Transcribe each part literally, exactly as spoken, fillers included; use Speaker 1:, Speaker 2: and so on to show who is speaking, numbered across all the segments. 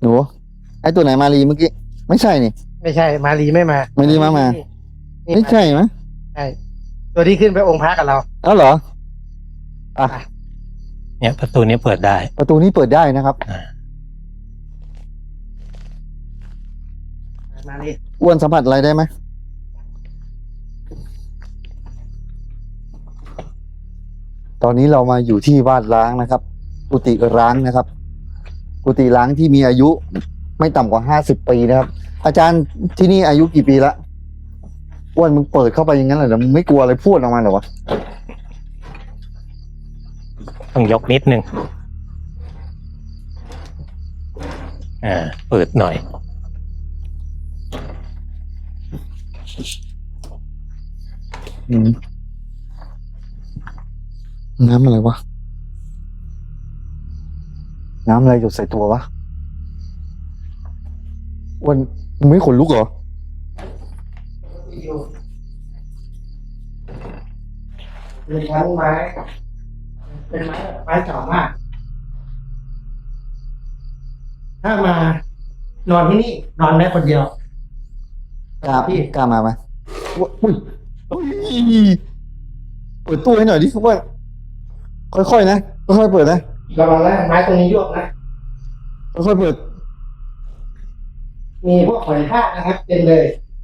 Speaker 1: หนูไอตัวไหนมารีเมื่อกี้ไม่ใช่นี่
Speaker 2: ไม่ใช่มารีไม่มา
Speaker 1: มารีมามา
Speaker 2: นี่
Speaker 1: ไม่ใช่ไหม
Speaker 2: ใช่ตัวที่ขึ้นไปองค์พระกับเรา
Speaker 1: เอ้าเหรออ่ะ
Speaker 3: เนี่ยประตูนี้เปิดได้
Speaker 1: ประตูนี้เปิดได้นะครับ
Speaker 2: มารี
Speaker 1: อ้วนสัมผัสอะไรได้ไหมตอนนี้เรามาอยู่ที่บ้านร้างนะครับกุฏิร้างนะครับกุฏิร้างที่มีอายุไม่ต่ำกว่าห้าสิบปีนะครับ อาจารย์ที่นี่อายุกี่ปีละอ้วนมึงเปิดเข้าไปอย่างนั้นเหรอมึงไม่กลัวอะไรพูดออกมาเหรอวะ
Speaker 3: ต้องยกนิดนึงอ่าเปิดหน่อย
Speaker 1: อืมน้ำอะไรวะน้ำอะไรหยดใส่ตัววะอ้วนมึงไม่ขนลุกเหรอ
Speaker 2: เป็นชั้นไม้ เป็นไม้แบบไม้เก่ามาก ถ้ามานอนที่นี่ นอนได้คนเดียว
Speaker 1: กล้าพี่กล้ามาไหมอุ้ยอุ้ยเปิดตู้ให้หน่อยดิว่าค่อยๆนะค่อยๆเปิดนะ
Speaker 2: ระวังนะไม้ตรงนี้ยวกนะ
Speaker 1: ค่อยๆเปิด
Speaker 2: มีพวกหอยทากนะครับเต็มเลย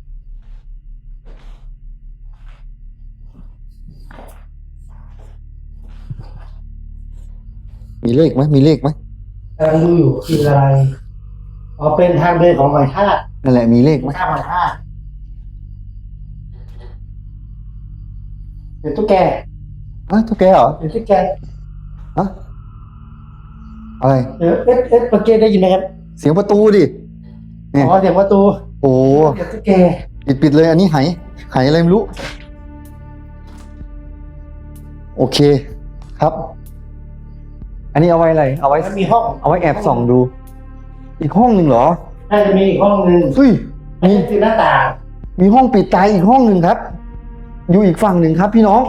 Speaker 1: มีเลขไหมมีเลขไหม
Speaker 2: กำลังดูอยู่คืออะไร อ๋อ เป็นทางเดินของหอยทาก
Speaker 1: นั่นแหละมีเลขไหม
Speaker 2: ข้ามหอยทากเดี๋ยวตุ๊กแก
Speaker 1: อ่ะตุ๊กแกเหรอ
Speaker 2: เดี๋ยวตุ๊กแก
Speaker 1: ฮะอะไร
Speaker 2: เดี๋ยวเอ๊ะเอ๊ะเมื่อกี้ได้ยินไหมครับ
Speaker 1: เสียงประตูดิเนี่ย
Speaker 2: อ๋อเสียงประตู
Speaker 1: โอ้
Speaker 2: เดี๋ยวตุ๊กแก
Speaker 1: ปิดปิดเลยอันนี้ไหไหอะไรไม่รู้โอเคครับ อันนี้เอาไว้อะไรเอาไว้
Speaker 2: แล้วมีห้อง
Speaker 1: เอาไว้แอบส่องดู อีกห้องหนึ่งเหรอ
Speaker 2: น่าจะมีอีกห้องหนึ่ง
Speaker 1: เฮ้ย
Speaker 2: อันนี้คือหน้าต่าง
Speaker 1: มีห้องปิดตายอีกห้องหนึ่งครับ อยู่อีกฝั่งหนึ่งครับพี่น้อง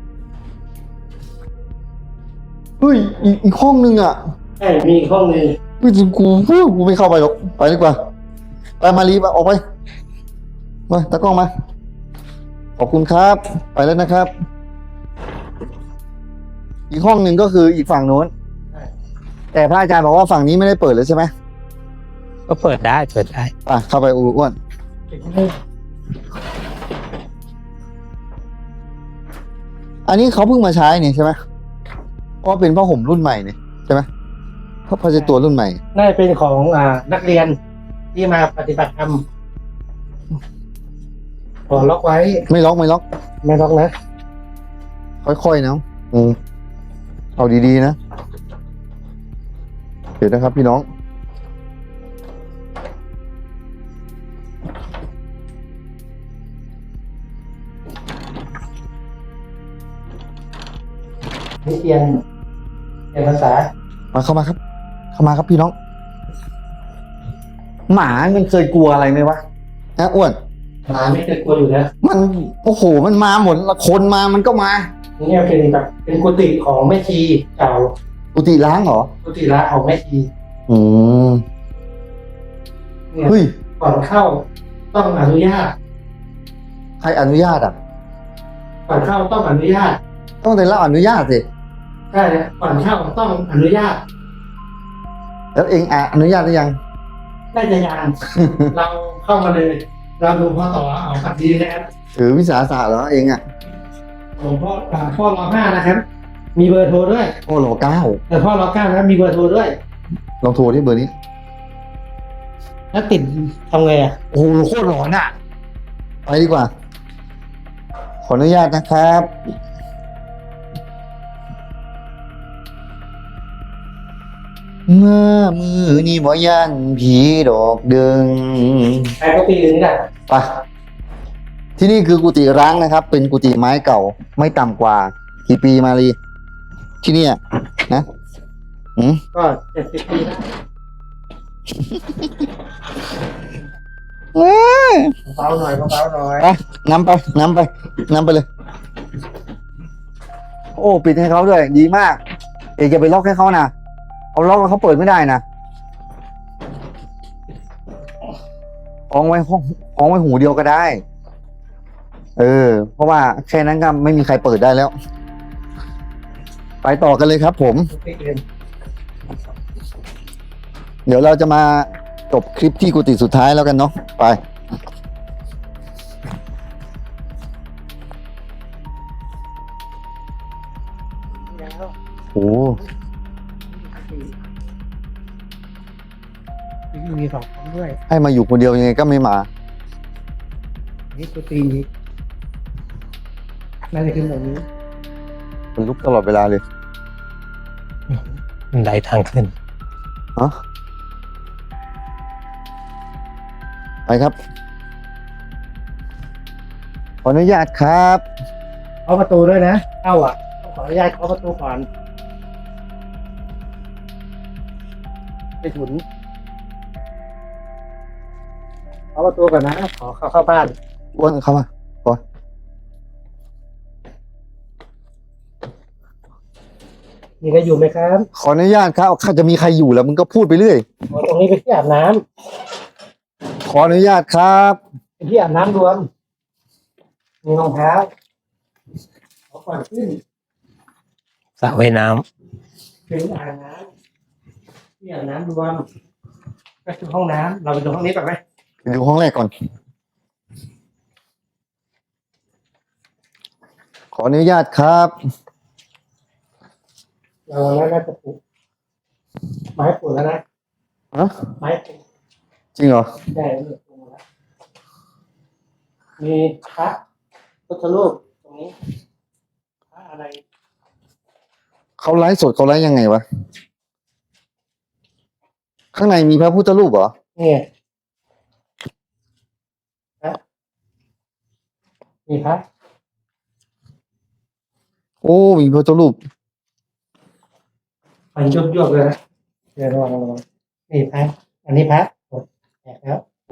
Speaker 1: เฮ้ยอีกอีกห้องหนึ่งอ่ะ
Speaker 2: ใช่มีอีกห้องหนึ่ง
Speaker 1: เฮ้ยกูกูกูไม่เข้าไปหรอกไปดีกว่าไปมารีบออกไปมาตากล้องมาขอบคุณครับ ไปแล้วนะครับ อีกห้องหนึ่งก็คืออีกฝั่งโน้นแต่พระอาจารย์บอกว่าฝั่งนี้ไม่ได้เปิดเลยใช่ไหม
Speaker 3: ก็เปิดได้เปิดได้
Speaker 1: อ่ะเข้าไปอ้วนอันนี้เขาเพิ่งมาใช้นี่ใช่ไหมเพราะเป็นผ้าห่มรุ่นใหม่นี่ใช่ไหมเพราะผ้าเช็ดตัวรุ่นใหม่
Speaker 2: น่าจะเป็นของอ่านักเรียนที่มาปฏิบัติธรรมขอล็อกไว้
Speaker 1: ไม่ล็อกไม่ล็อก
Speaker 2: ไม่ล็อกนะ
Speaker 1: ค่อยๆนะอืมเอาดีๆนะเดี๋ยวนะครับพี่น้อง
Speaker 2: นี่เรียนเรียนภาษา
Speaker 1: มาเข้ามาครับ เข้ามาครับพี่น้อง หมามันเคยกลัวอะไรไหมวะนะอ้วน
Speaker 2: หมาไม่เคยกลัวอยู่นะ
Speaker 1: มันโอ้โหมันมาหมดละคนมามันก็มา
Speaker 2: นี่เป็นแบบเป็นกุฏิของแม่ชีเก่า
Speaker 1: กุฏิล้างเหรอ
Speaker 2: กุฏิละของแม่ชี
Speaker 1: อืม
Speaker 2: เนี่ย
Speaker 1: เฮ้ย
Speaker 2: ก่อนเข้าต้องอนุญาต
Speaker 1: ใครอนุญาตอ่ะ
Speaker 2: ก่อนเข้าต้องอนุญาต
Speaker 1: ต้องได้รับอนุญาตสิ
Speaker 2: ใช่นะก่อนเข้าต้องอนุญาต
Speaker 1: แล้วเองอ่ะอนุญาตหรือยัง
Speaker 2: น่าจะยัง เราเข้ามาเลย เราดูพ่อต่อเอาขับดีนะครับ
Speaker 1: ถือวิสาสะเหรอเองอ่ะ
Speaker 2: หลวงพ่ออ่าพ่อรอห้านะครับ มีเบอร์โทรด้วย
Speaker 1: โอ้โหเก้า
Speaker 2: แต่พ่อรอเก้านะครับมีเบอร์โทรด้วย
Speaker 1: ลองโทรที่เบอร์นี้
Speaker 2: แล้วติดทำไงอ่ะ
Speaker 1: โอ้โหโคตรหลอนอ่ะ ไปดีกว่า ขออนุญาตนะครับ เมื่อมือนี่บ่ยันผีดอกเดิง
Speaker 2: ใครก็ปีนึงนี่แหละ
Speaker 1: ไปที่นี่คือกุฏิร้างนะครับ เป็นกุฏิไม้เก่า ไม่ต่ำกว่ากี่ปีมาลีที่เนี่ยนะอืม
Speaker 2: ก็เจ็ดสิบปีแล้ว
Speaker 1: เอ้ย
Speaker 2: เบาๆหน่อยเบาๆหน่อย
Speaker 1: ไปนำไปนำไปนำไปเลย โอ้ปิดให้เขาด้วย ดีมาก เอกจะไปล็อกให้เขานะเอาล็อกแล้วเขาเปิดไม่ได้นะคล้องไว้ห้องคล้องไว้หูเดียวก็ได้ เออ เพราะว่าแค่นั้นก็ไม่มีใครเปิดได้แล้ว ไปต่อกันเลยครับผม เดี๋ยวเราจะมาจบคลิปที่กุฏิสุดท้ายแล้วกันเนาะไป โอ้
Speaker 2: มีสองคนด้วย
Speaker 1: ให้มาอยู่คนเดียวยังไงก็ไม่มา
Speaker 2: นี่กุฏิน่าจะขึ้นแบบนี้
Speaker 1: มันลุกตลอดเวลาเลย
Speaker 3: บันไดทางขึ้น
Speaker 1: ฮะไปครับ ขออนุญาตครับ
Speaker 2: เคาะประตูด้วยนะเข้าอ่ะต้องขออนุญาตเคาะประตูก่อนไปถุนเคาะประตูก่อนนะขอเข้าเข้าบ้าน
Speaker 1: อ้วนเข้ามาก่อน
Speaker 2: มีใครอยู่ไหมครับ
Speaker 1: ขออนุญาตครับข้าจะมีใครอยู่แล้วมึงก็พูดไปเรื่อย
Speaker 2: อ๋อตรงนี้เป็นที่อาบน้ำ
Speaker 1: ขออนุญาตครับ
Speaker 2: เป็นที่อาบน้ำรวมมีรองเท้าขอก่อนขึ้น
Speaker 3: สระว่ายน้
Speaker 2: เป็นอ่างน้ำที่อาบน้ำรวมก็คือห้องน้ำเราไปดูห้องนี้ก่อนไหม
Speaker 1: ไปดูห้องแรกก่อน ขออนุญาตครับ
Speaker 2: เราแล้วน่าจะปลูกไม้ปลูกแล้วนะ
Speaker 1: ฮะ
Speaker 2: ไม้ปลูก
Speaker 1: จริงเหรอ
Speaker 2: ได้เลยปลูกแล้วมีพระพุทธรูปตรงนี้พระอะไร
Speaker 1: เขาไลฟ์สดเขาไลฟ์ยังไงวะ ข้างในมีพระพุทธรูปเหรอ
Speaker 2: นี่พระมีพระ
Speaker 1: โอ้ มีพระพุทธรูป
Speaker 2: มันยุบยุบเลยนะเดี๋ยวระวังระวังนี่พระอันนี้พระหมดแตกแล้ว
Speaker 1: โอ้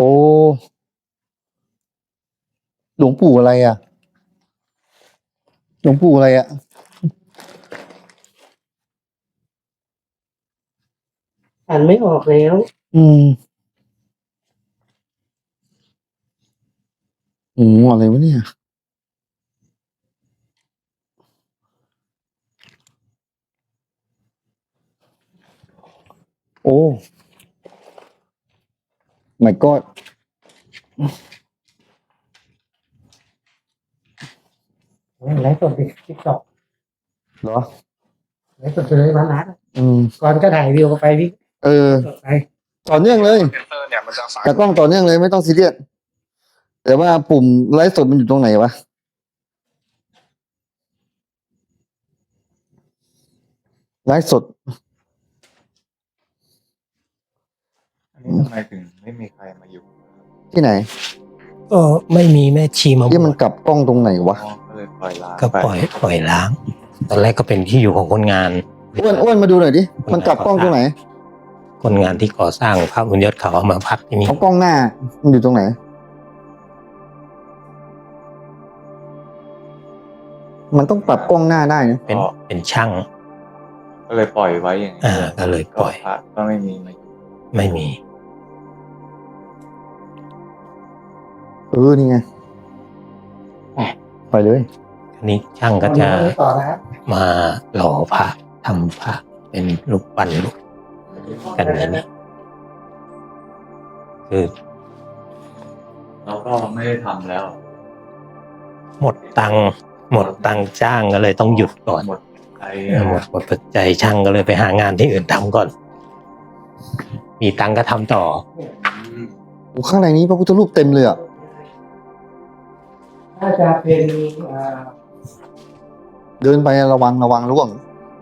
Speaker 1: หลวงปู่อะไรอ่ะ หลวงปู่อะไรอ่ะ
Speaker 2: อ่านไม่ออกแล้ว
Speaker 1: อืมโอ้อะไรวะเนี่ย โอ้ my god
Speaker 2: ไลฟ์สดติ๊กต็อก
Speaker 1: เหรอ
Speaker 2: ไลฟ์สดเลยร้านร้าน
Speaker 1: อืม
Speaker 2: ก่อนก็ถ่ายวิวไปพี่
Speaker 1: เออ
Speaker 2: สดไป
Speaker 1: ต่อเนื่องเลย
Speaker 4: เซนเซอร์เนี่ยมันจะฝาก
Speaker 1: แต่กล้องต่อเนื่องเลยไม่ต้องซีเรียส แต่ว่าปุ่มไลฟ์สดมันอยู่ตรงไหนวะ ไลฟ์สด
Speaker 4: อันนี้ทำไมถึงไม่มีใครมาอยู่
Speaker 1: ที่ไหน
Speaker 3: ำก็ไม่มีแม่ชีมาบ
Speaker 1: ที่
Speaker 3: ว
Speaker 1: มัน
Speaker 3: ช
Speaker 1: กลับกล้องตรงไหนวะ
Speaker 4: อ๋อก็เลยปล่อยล้าง
Speaker 3: ก็ปล่อยปล่อยล้าง ตอนแรกก็เป็นที่อยู่ของคนงาน
Speaker 1: อ้วนอ้วนมาดูหน่อยดิ มันกลับกล้องตรงไหน
Speaker 3: คนงานที่ก่อสร้างพระบุญยศเขาเอามาพักที่นี่
Speaker 1: เอากล้องหน้า มันอยู่ตรงไหน มันต้องปรับกล้องหน้าได้นะ
Speaker 3: เป็นเป็นช่าง
Speaker 4: ก็เลยปล่อยไว้อย่างนี้
Speaker 3: อ่าก็เลยปล่อย
Speaker 4: พระก็ไม่มีมาอยู่
Speaker 3: ไม่มี
Speaker 1: เออ นี่ไงอ่ะไปเลย
Speaker 3: อันนี้ช่างก็จะ
Speaker 2: เอาเรื่องนี้ต่อนะครับ
Speaker 3: มาหล่อพระทำพระเป็นรูปปั้นรูปกันอย่างนี้คือ
Speaker 4: เราก็ไม่ได้ทำแล้ว
Speaker 3: หมดตังค์หมดตังค์จ้างก็เลยต้องหยุดก่อน
Speaker 4: หมดใจ
Speaker 3: เออหมดหมดปัจจัยช่างก็เลยไปหางานที่อื่นทำก่อน มีตังค์ก็ทำต่อ
Speaker 4: อืม
Speaker 1: โอ้ข้างในนี้พระพุทธรูปเต็มเลยอ่ะ
Speaker 2: น่าจะเป็นอ่า
Speaker 1: เดินไประวังระวังร่วง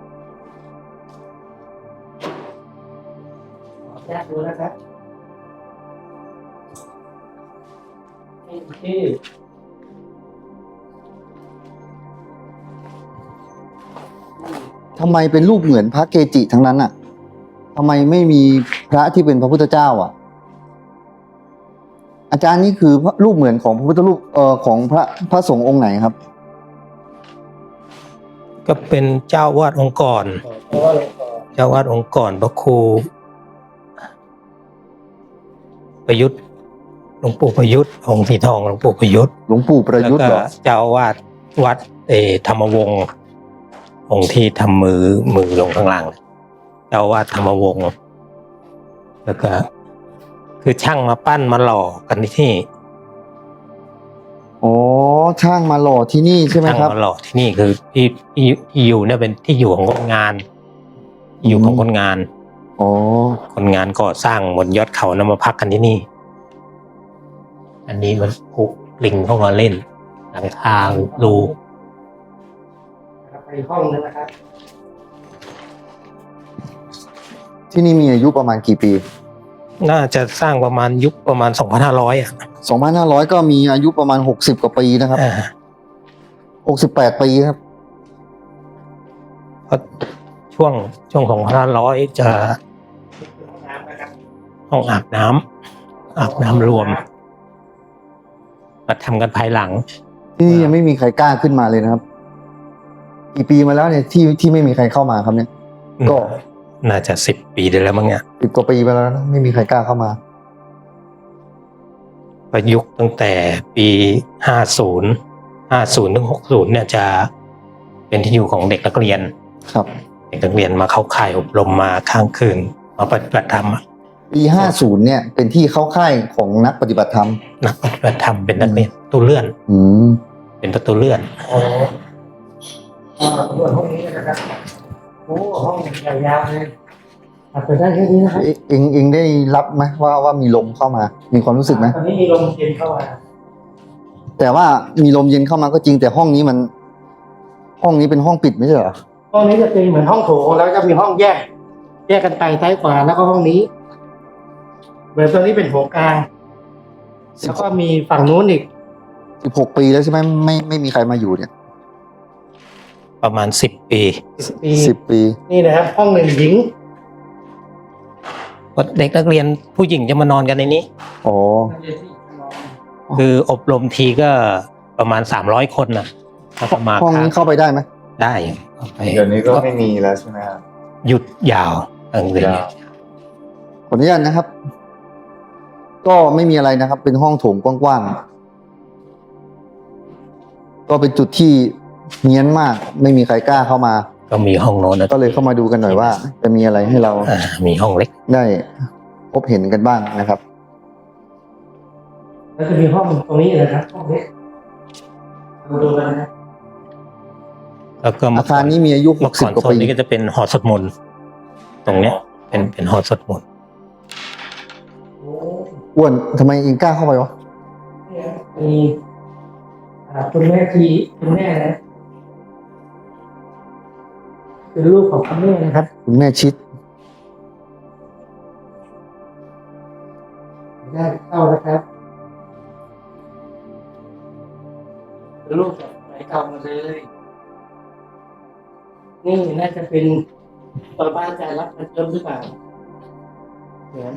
Speaker 2: ขอแยกดูนะครับนี่ที่
Speaker 1: ทำไมเป็นรูปเหมือนพระเกจิทั้งนั้นอ่ะทำไมไม่มีพระที่เป็นพระพุทธเจ้าอ่ะ อาจารย์นี่คือพระรูปเหมือนของพระพุทธรูปเอ่อของพระพระสงฆ์องค์ไหนครับ
Speaker 3: ก็เป็นเจ้าวาดองค์ก่อน
Speaker 2: เพราะว่าหลวงพ่อ
Speaker 3: เจ้าวาดองค์ก่อนพระครูประยุทธ์หลวงปู่ประยุทธ์องค์สีทองหลวงปู่ประยุทธ์
Speaker 1: หลวงปู่ประยุทธ์เหรอ
Speaker 3: แล้วก็เจ้าอาวาสวัดเออธรรมวงศ์องค์ที่ทำมือมือลงข้างล่างเจ้าอาวาสธรรมวงศ์แล้วก็ คือช่างมาปั้นมาหล่อกันที่นี่
Speaker 1: อ๋อช่างมาหล่อที่นี่ใช่ไหม
Speaker 3: ช่าง
Speaker 1: ครับ
Speaker 3: มาหล่อที่นี่คือที่ที่ที่อยู่เนี่ยเป็นที่อยู่ของคนงานที่อยู่ของคนงาน
Speaker 1: อ๋อ
Speaker 3: คนงานก่อสร้างบนยอดเขานำมาพักกันที่นี่ อันนี้มันผูกลิงเข้ามาเล่นหลังคารู
Speaker 2: นะครับไปห้องนึงนะครับ
Speaker 1: ที่นี่มีอายุประมาณกี่ปี
Speaker 3: น่าจะสร้างประมาณยุคประมาณสองพันห้าร้อยอ่ะ
Speaker 1: สองพันห้าร้อยก็มีอายุประมาณหกสิบกว่าปีนะครับ
Speaker 3: อ่า
Speaker 1: หกสิบแปดปีครับ
Speaker 3: เพราะช่วงช่วงของพันห้าร้อยจะ
Speaker 2: ห้องน้ำนะครับ
Speaker 3: ห้องอาบน้ำอาบน้ำรวมมาทำกันภายหลัง
Speaker 1: ที่นี่ยังไม่มีใครกล้าขึ้นมาเลยนะครับ กี่ปีมาแล้วเนี่ยที่ที่ไม่มีใครเข้ามาครับเนี่ย ก็
Speaker 3: น่าจะสิบปีได้แล้วมั้งเนี่ย
Speaker 1: สิบกว่าปีไปแล้วนะไม่มีใครกล้าเข้ามา
Speaker 3: ประยุกต์ตั้งแต่ปีห้าศูนย์ห้าศูนย์ถึงหกศูนย์เนี่ยจะเป็นที่อยู่ของเด็กนักเรียน
Speaker 1: ครับ
Speaker 3: เด็กนักเรียนมาเข้าค่ายอบรมมาค้างคืนมาปฏิบัติธรรมอะ
Speaker 1: ปีห้าสิบเนี่ยเป็นที่เข้าค่ายของนักปฏิบัติธรรม
Speaker 3: นักปฏิบัติธรรมเป็นนักเรียนประตูเลื่อน
Speaker 1: อืม
Speaker 3: เป็นประตูเลื่อน
Speaker 2: อ๋ออ่าส่วนห้องนี้นะครับโอ้ห้องยาวๆเลยอ่ะเปิดได้แค่นี้นะครับ
Speaker 1: เอเองเองได้รับไหมว่าว่ามีลมเข้ามา มีความรู้สึกไหม
Speaker 2: ตอนนี้มีลมเย็นเข้ามา
Speaker 1: แต่ว่ามีลมเย็นเข้ามาก็จริงแต่ห้องนี้มัน ห้องนี้เป็นห้องปิดไม่ใช่เหรอ
Speaker 2: ห้องนี้จะเป็นเหมือนห้องโถงแล้วก็มีห้องแยก แยกกันไปซ้ายขวาแล้วก็ห้องนี้เหมือนตรงนี้เป็นโถงกลางแล้วก็มีฝั่งนู้นอีก
Speaker 1: สิบหกปีแล้วใช่ไหมไม่ไม่มีใครมาอยู่เนี่ย
Speaker 3: ประมาณสิบปี
Speaker 2: สิบปี
Speaker 1: สิบปี
Speaker 2: นี่นะครับ ห้องหนึ่งหญิง
Speaker 3: เด็กนักเรียนผู้หญิงจะมานอนกันในนี้
Speaker 1: อ๋อ
Speaker 3: คืออบรมทีก็ประมาณสามร้อยคนนะถ้าจะมา
Speaker 1: ห้องนี้เข้าไปได้ไหม
Speaker 3: ได้เข้าไป
Speaker 4: เดี๋ยวนี้ก็ไม่มีแล้วใช่ไหมครับ
Speaker 3: หยุดยาวตั้งแต่
Speaker 4: ยาว
Speaker 1: ขออนุญาตนะครับ ก็ไม่มีอะไรนะครับ เป็นห้องโถงกว้างๆก็เป็นจุดที่เงียนมาก ไม่มีใครกล้าเข้ามา
Speaker 3: ก็มีห้องโน้นนะ
Speaker 1: ก็เลยเข้ามาดูกันหน่อยว่า จะมีอะไรให้เรา
Speaker 3: อ่ามีห้องเล็ก
Speaker 1: ได้พบเห็นกันบ้างนะครับ
Speaker 2: แล้วจะมีห้องตรงนี้นะครับห้องนี้เราดูกันนะ
Speaker 3: แล้วก็
Speaker 1: อาคารนี้มีอายุห
Speaker 3: เมื่
Speaker 1: ก
Speaker 3: อ
Speaker 1: สิ
Speaker 3: ก่
Speaker 1: บ
Speaker 3: อน
Speaker 1: กว่า
Speaker 3: โซน
Speaker 1: ปี
Speaker 3: นี้ก็จะเป็นหอสวดมนต์ตรงเนี้ย เป็นเป็นหอสวดมนต์
Speaker 2: โอ้
Speaker 1: อ้วนทำไมเองกล้าเข้าไปวะ
Speaker 2: เนี่ยมีอ่าคุณแม่ทีคุณแม่นะเป็นลูกของคุณแม่นะครับ
Speaker 1: คุณแม่ชิด
Speaker 2: ได้เข้านะครับเป็นลูกจากไหนเก่ามาเลย นี่น่าจะเป็นตอนบ้านอาจารย์รับมันเติมหรือเปล่าเหมือน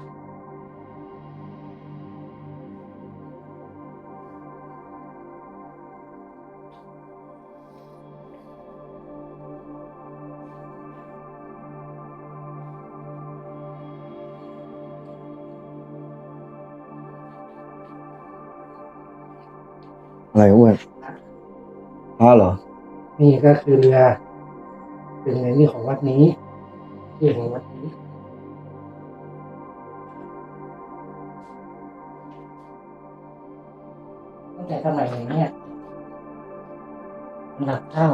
Speaker 1: อะไรอ้วนอ๋อเหรอ
Speaker 2: นี่ก็คือเรือเป็นในนี่ของวัดนี้ที่ของวัดนี้ตั้งแต่สมัยไหนเนี่ยหลักเท่า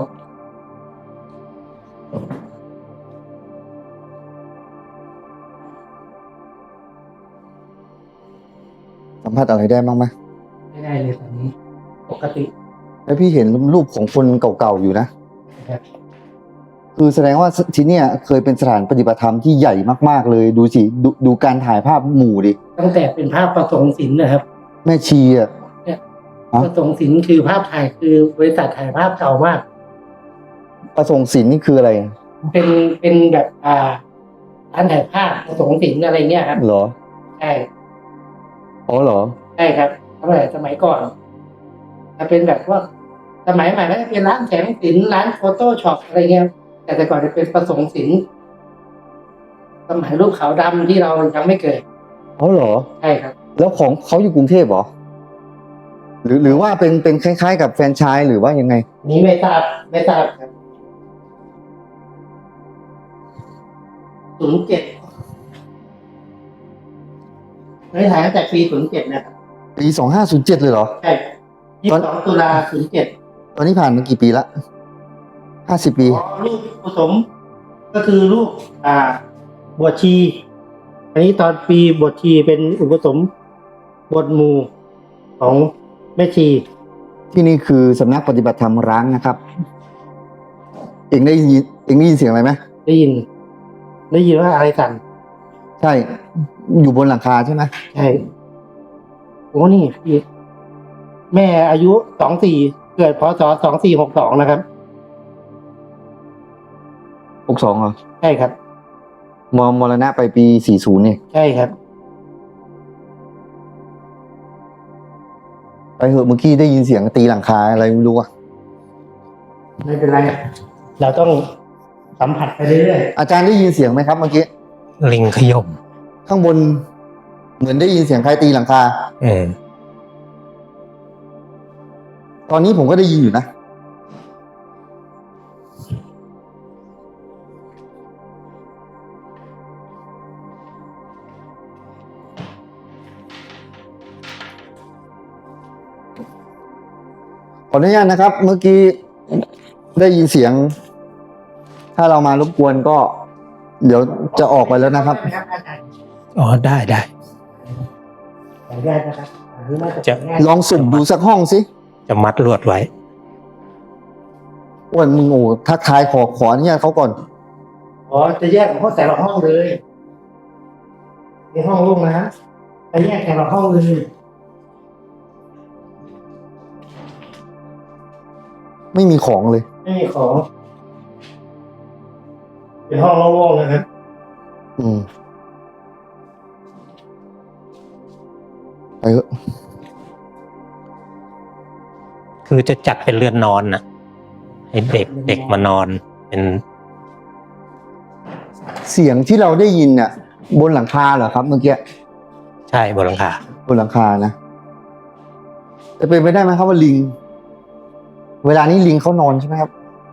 Speaker 1: สัมผัสอะไรได้บ้างไหม
Speaker 2: ไม่ได้เลยตอนนี้ ปกติ
Speaker 1: แล้วพี่เห็นรูปของคนเก่าๆอยู่นะ
Speaker 2: นะครับ
Speaker 1: คือแสดงว่าที่เนี่ยเคยเป็นสถานปฏิบัติธรรมที่ใหญ่มากๆเลยดูสิดูดูการถ่ายภาพหมู่ดิ
Speaker 2: ตั้งแต่เป็นภาพประสงค์ศิลป์นะครับ
Speaker 1: แม่ชีอ่ะ ฮะ
Speaker 2: ประสงค์ศิลป์คือภาพถ่ายคือบริษัทถ่ายภาพเก่ามาก
Speaker 1: ประสงค์ศิลป์นี่คืออะไร
Speaker 2: เป็นเป็นแบบอ่าร้านถ่ายภาพประสงค์ศิลป์อะไรเงี้ยครับ
Speaker 1: เหรอ
Speaker 2: ใช่
Speaker 1: อ๋อเหรอ
Speaker 2: ใช่ครับสมัยสมัยก่อนจะเป็นแบบว่าสมัยใหม่ก็จะเป็นร้านแสงสินร้านโฟโต้ช็อปอะไรเงี้ยแต่แต่ก่อนจะเป็นประสงค์ศิลป์สมัยรูปขาวดำที่เรายังไม่เกิด
Speaker 1: อ๋อเหรอ
Speaker 2: ใช่ครับ
Speaker 1: แล้วของเขาอยู่กรุงเทพเหรอหรือหรือว่าเป็นเป็นคล้ายๆ กับแฟรนไชส์หรือว่ายังไง
Speaker 2: นี้ไม่ทราบไม่ทราบครับศูนย์เจ็ดไม่ถ่ายตั้งแต่ปีศูนย์เจ็ดนะครับ
Speaker 1: ปีสองห้าศูนย์เจ็ดเลยเหรอ
Speaker 2: ใช่ยี่สิบสองตุลาศูนย์เจ็ด
Speaker 1: ตอนนี้ผ่านมากี่ปีละห้าสิบปี
Speaker 2: อ๋อลูกผสมก็คือลูกอ่า บวชชี อันนี้ตอนปีบวชชีเป็นอุปสมบทหมู่ของแม่ชี
Speaker 1: ที่นี่คือสำนักปฏิบัติธรรมร้างนะครับ เองได้ยินเองได้ยินเสียงอะไรไหม
Speaker 2: ได้ยิน ได้ยินว่าอะไรสั่น
Speaker 1: ใช่ อยู่บนหลังคาใช่ไหม
Speaker 2: ใช่โอ้นี่พี่แม่อายุสองสี่เกิดพศสองสี่หกสองนะครับ
Speaker 1: หกสองเหรอ
Speaker 2: ใช่ครับ
Speaker 1: มมรณะไปปีสี่ศูนย์นี่
Speaker 2: ใช่ครับ
Speaker 1: ไปเหอะเมื่อกี้ได้ยินเสียงตีหลังคาอะไรไม่รู้อะ
Speaker 2: ไม่เป็นไร เราต้องสัมผัสไปเรื่อย
Speaker 1: อาจารย์ได้ยินเสียงไหมครับเมื่อกี้
Speaker 3: ลิงขยม
Speaker 1: ข้างบน เหมือนได้ยินเสียงใครตีหลังคา
Speaker 3: เออ
Speaker 1: ตอนนี้ผมก็ได้ยินอยู่นะ ขออนุญาตนะครับ เมื่อกี้ได้ยินเสียง ถ้าเรามารบกวนก็ เดี๋ยวจะออกไปแล้ว
Speaker 2: ๆ
Speaker 1: นะครับ
Speaker 2: ได้อาจารย์
Speaker 3: อ๋อได้ได้
Speaker 2: ขออนุญาตนะครับอันนี้น่าจะ
Speaker 3: จะ
Speaker 2: ง่าย
Speaker 1: ลองสุ่มดูสักห้องสิ
Speaker 3: จะมัดลวดไว้
Speaker 1: อ้วนมึงโอ้ทักทายขอขออนุญาตเขาก่อน
Speaker 2: อ๋อจะแยกของแต่ละห้องเลยในห้องลูกนะจะแยกแต่ละห้องเลย
Speaker 1: ไม่มีของเลย
Speaker 2: ไม่มีของ เป็นห้องโล่งๆนะครับ
Speaker 1: อืมไปเถอะ
Speaker 3: คือจะจัดเป็นเรือนนอนนะให้เด็กเด็กมานอนเป็น
Speaker 1: เสียงที่เราได้ยินน่ะ บนหลังคาเหรอครับเมื่อกี้
Speaker 3: ใช่บนหลังคา
Speaker 1: บนหลังคานะจะเป็นไปได้ไหมครับว่าลิง เวลานี้ลิงเขานอนใช่ไหมครับ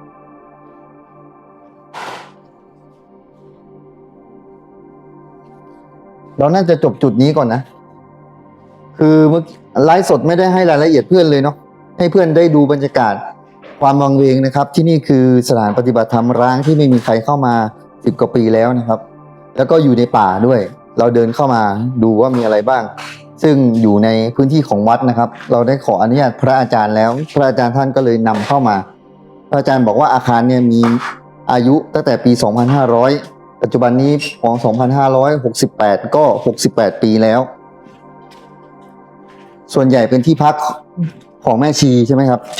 Speaker 1: เราน่าจะจบจุดนี้ก่อนนะ คือเมื่อกี้ไลฟ์สดไม่ได้ให้รายละเอียดเพื่อนเลยเนาะให้เพื่อนได้ดูบรรยากาศความวังเวงนะครับ ที่นี่คือสถานปฏิบัติธรรมร้างที่ไม่มีใครเข้ามาสิบกว่าปีแล้วนะครับ แล้วก็อยู่ในป่าด้วย เราเดินเข้ามาดูว่ามีอะไรบ้าง ซึ่งอยู่ในพื้นที่ของวัดนะครับ เราได้ขออนุญาตพระอาจารย์แล้ว พระอาจารย์ท่านก็เลยนำเข้ามา พระอาจารย์บอกว่าอาคารเนี่ยมีอายุตั้งแต่ปี สองพันห้าร้อย ปัจจุบันนี้ของ สองพันห้าร้อยหกสิบแปด ก็ หกสิบแปด ปีแล้ว ส่วนใหญ่เป็นที่พักของแม่ชีใช่ไหมครับ
Speaker 3: ใช่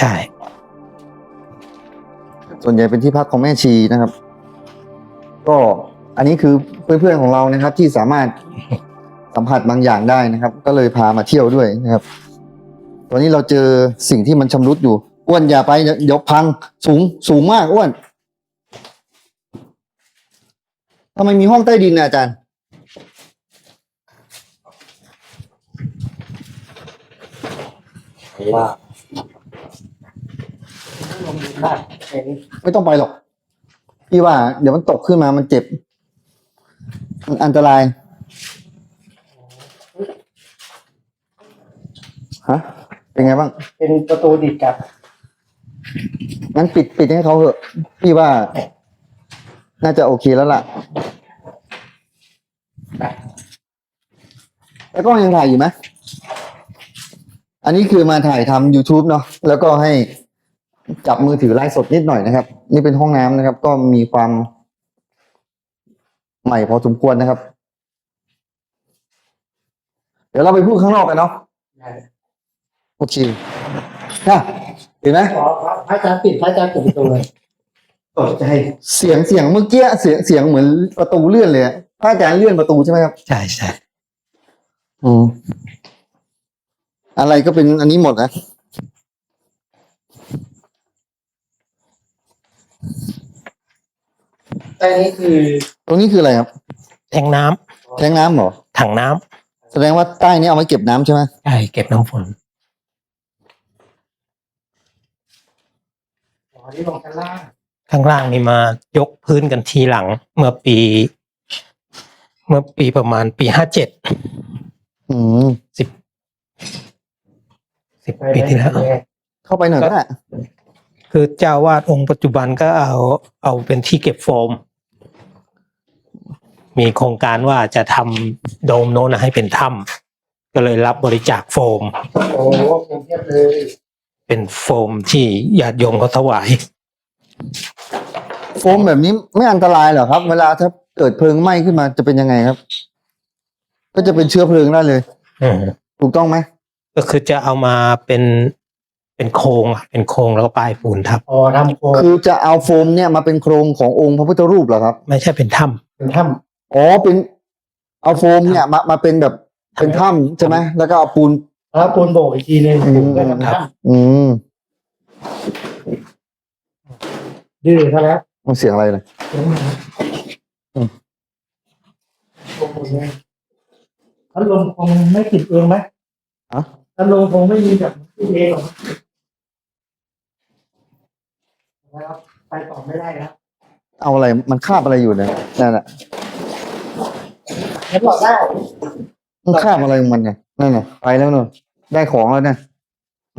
Speaker 1: ส่วนใหญ่เป็นที่พักของแม่ชีนะครับ ก็อันนี้คือเพื่อนๆของเรานะครับ ที่สามารถสัมผัสบางอย่างได้นะครับ ก็เลยพามาเที่ยวด้วยนะครับ ตอนนี้เราเจอสิ่งที่มันชำรุดอยู่อ้วนอย่าไปเดี๋ยวเดี๋ยวพังสูงสูงมากอ้วนทำไมมีห้องใต้ดินนะอาจารย์
Speaker 2: ว่าลงดูบ้านแค่นี้
Speaker 1: ไม่ต้องไปหรอก พี่ว่า เดี๋ยวมันตกขึ้นมามันเจ็บ มันอันตราย ฮะ เป็นไงบ้าง
Speaker 2: เป็นประตูดิดกลับ
Speaker 1: งั้นปิดปิดให้เขาเถอะ พี่ว่า น่าจะโอเคแล้วล่ะ แล้วก็ยังถ่ายอยู่ไหม อันนี้คือมาถ่ายทำ YouTube เนาะ แล้วก็ให้จับมือถือไลฟ์สดนิดหน่อยนะครับ นี่เป็นห้องน้ำนะครับ ก็มีความใหม่พอสมควรนะครับ เดี๋ยวเราไปพูดข้างนอกกันเนาะ โอเคค่ะเห็นไหม
Speaker 2: ขอพระอาจารย์ปิดพระอาจารย์ปิดประตูเลยตกใจ
Speaker 1: เสียงเสียงเมื่อกี้เสียงเสียงเหมือนประตูเลื่อนเลยอะพระอาจารย์เลื่อนประตูใช่ไหมครับ
Speaker 3: ใช่ใช่
Speaker 1: อืมอะไรก็เป็นอันนี้หมดนะ
Speaker 2: แต่นี้คือ
Speaker 1: ตรงนี้คืออะไรครับ
Speaker 3: แทงน้ำ
Speaker 1: แทงน้ำเหรอ
Speaker 3: ถังน้ำ
Speaker 1: แสดงว่าใต้นี้เอาไว้เก็บน้ำใช่ไหม
Speaker 3: ใช่เก็บน้ำฝน
Speaker 2: อ๋อนี่ลงชั้นล่าง
Speaker 3: ข้างล่างนี่มายกพื้นกันทีหลัง เมื่อปี เมื่อปีประมาณปีห้าเจ็ด
Speaker 1: อืม
Speaker 3: สิบสิบปีที่แล้ว
Speaker 1: เข้าไปหน่อยก็ได้
Speaker 3: คือเจ้าวาดองค์ปัจจุบันก็เอาเอาเป็นที่เก็บโฟม มีโครงการว่าจะทำโดมโน้นนะให้เป็นถ้ำก็เลยรับบริจาคโฟม
Speaker 2: โอ้โหคงเทียบเลย
Speaker 3: เป็นโฟมที่ญาติโยมเขาถวาย
Speaker 1: โฟมแบบนี้ไม่อันตรายเหรอครับ เวลาถ้าเกิดเพลิงไหม้ขึ้นมาจะเป็นยังไงครับ ก็จะเป็นเชื้อเพลิงได้เลย
Speaker 3: อืม
Speaker 1: ถูกต้องไหม
Speaker 3: ก็คือจะเอามาเป็นเป็นโครงอะเป็นโครงแล้วก็ป้ายปูนทับ
Speaker 2: อ๋อทำโครง
Speaker 1: คือจะเอาโฟมเนี่ยมาเป็นโครงขององค์พระพุทธรูปเหรอครับ
Speaker 3: ไม่ใช่เป็นถ้
Speaker 2: เป็นถ้
Speaker 1: อ๋อเป็นเอาโฟมเนี่ยมามาเป็นแบบเป็นถ้ำใช่ไหมแล้วก็เอาปูน
Speaker 2: ำแล้วปูนโบกอีกทีนึง
Speaker 1: อืม
Speaker 2: ก็ทำถ้
Speaker 1: อืม
Speaker 2: ำดื้อซะแล้ว
Speaker 1: มันเสียงอะไรเลย อืม
Speaker 2: โอ้โหเนี่ยพัดลมคงไม่ติดเองไหม
Speaker 1: อะ
Speaker 2: พัดลมคงไม่มีแบบติดเองหรอกนะครับไปต่อไม่ได้นะ
Speaker 1: เอาอะไรมันคาบอะไรอยู่เนี่ยนั่นแหละ
Speaker 2: เห็นบอกได้
Speaker 1: มันคาบอะไรของมันเนี่ยนั่นน่ะไปแล้วเนอะได้ของแล้วเนี่ยหึ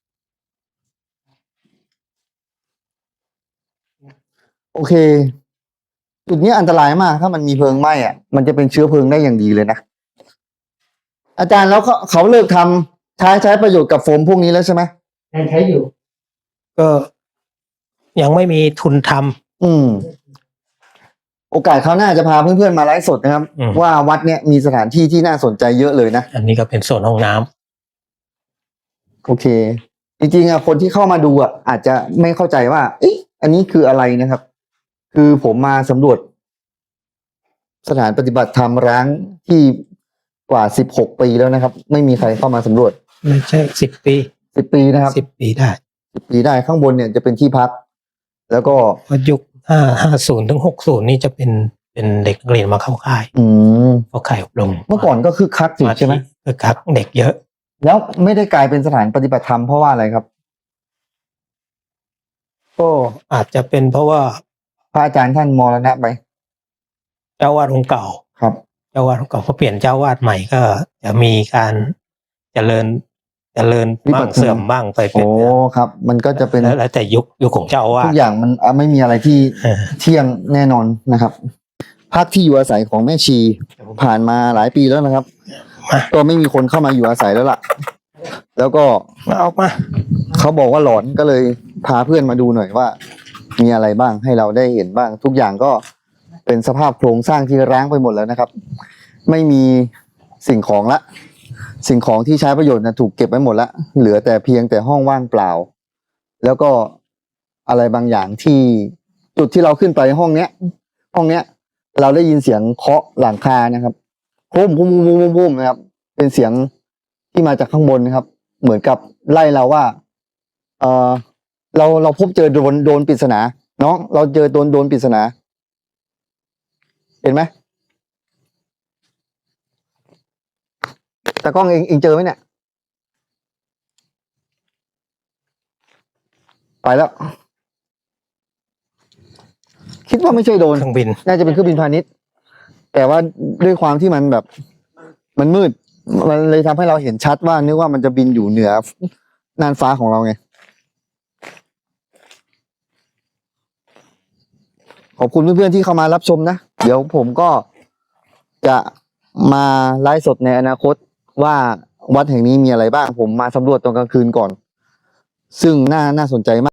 Speaker 1: โอเค จุดนี้อันตรายมาก ถ้ามันมีเพลิงไหม้อ่ะมันจะเป็นเชื้อเพลิงได้อย่างดีเลยนะอาจารย์แล้วเขาเขาเลิกทำใช้ใช้ประโยชน์กับโฟมพวกนี้แล้วใช่ไหม
Speaker 2: ยังใช้อยู่
Speaker 3: ำก็ยังไม่มีทุนทำ
Speaker 1: อืม โอกาสคราวหน้าจะพาเพื่อนๆมาไลฟ์สดนะครับ
Speaker 3: อืม
Speaker 1: ว่าวัดเนี้ยมีสถานที่ที่น่าสนใจเยอะเลยนะ
Speaker 3: อันนี้ก็เป็นโซนห้องน้ำ
Speaker 1: โอเค จริงๆอ่ะคนที่เข้ามาดูอ่ะอาจจะไม่เข้าใจว่า เอ๊ะอันนี้คืออะไรนะครับ คือผมมาสำรวจ สถานปฏิบัติธรรมร้างที่กว่าสิบหกปีแล้วนะครับ ไม่มีใครเข้ามาสำรวจ
Speaker 3: ไม่ใช่สิบปี
Speaker 1: สิบปีนะครับ
Speaker 3: สิบปีได้
Speaker 1: สิบปีได้ข้างบนเนี่ยจะเป็นที่พัก แล้วก็
Speaker 3: เพราะยุคห้าห้าศูนย์ถึงหกศูนย์นี่จะเป็นเป็นเด็กนักเรียนมาเข้าค่าย
Speaker 1: อืม
Speaker 3: เข้าค่ายอบรม
Speaker 1: เมื่อก่อนก็คึกคักสิใช่ไหม
Speaker 3: คือครับเด็กเยอะ
Speaker 1: แล้วไม่ได้กลายเป็นสถานปฏิบัติธรรมเพราะว่าอะไรครับ
Speaker 3: ก็อาจจะเป็นเพราะว่า
Speaker 1: พระอาจารย์ท่านมรณะไป
Speaker 3: เจ้าวาดองค์เก่า
Speaker 1: ครับ
Speaker 3: เจ้าวาดองค์เก่าพอเปลี่ยนเจ้าวาดใหม่ก็จะมีการเจริญเจริญบ้างเสื่อมบ้างไปเป็
Speaker 1: โอ้
Speaker 3: น
Speaker 1: ครับ มันก็จะเป็น
Speaker 3: แล้วแล้วแต่ยุคยุคของเจ้าอาวา
Speaker 1: ทุ
Speaker 3: ด
Speaker 1: กอย่างมันอ่ะไม่มีอะไรที่
Speaker 3: เออ
Speaker 1: เที่ยงแน่นอนนะครับ พักที่อยู่อาศัยของแม่ชีผ่านมาหลายปีแล้วนะครับ ก็ไม่มีคนเข้ามาอยู่อาศัยแล้วล่ะ แล้วก็
Speaker 3: มาออกมา
Speaker 1: เขาบอกว่าหลอนก็เลยพาเพื่อนมาดูหน่อยว่า มีอะไรบ้างให้เราได้เห็นบ้าง ทุกอย่างก็เป็นสภาพโครงสร้างที่ร้างไปหมดแล้วนะครับ ไม่มีสิ่งของละ สิ่งของที่ใช้ประโยชน์นะถูกเก็บไว้หมดละเหลือแต่เพียงแต่ห้องว่างเปล่า แล้วก็อะไรบางอย่างที่จุดที่เราขึ้นไปห้องเนี้ย ห้องเนี้ย เราได้ยินเสียงเคาะหลังคานะครับพุ่มพุ่มพุ่มพุ่มพุ่มนะครับ เป็นเสียงที่มาจากข้างบนนะครับ เหมือนกับไล่เราว่า เออเราเราพบเจอโดนโดนปริศนาน้องเราเจอโดนโดนปริศนา เห็นไหมแต่กล้องเองเองเจอไหมเนี่ย ไปแล้ว คิดว่าไม่ใช่โดน
Speaker 3: เครื่องบิน
Speaker 1: น่าจะเป็นเครื่องบินพาณิชย์ แต่ว่าด้วยความที่มันแบบ มันมืด มันเลยทำให้เราเห็นชัดว่านึกว่ามันจะบินอยู่เหนือน่านฟ้าของเราไง ขอบคุณเพื่อนๆที่เข้ามารับชมนะ เดี๋ยวผมก็จะมาไลฟ์สดในอนาคตว่าวัดแห่งนี้มีอะไรบ้าง ผมมาสำรวจตอนกลางคืนก่อน ซึ่งน่าน่าสนใจมาก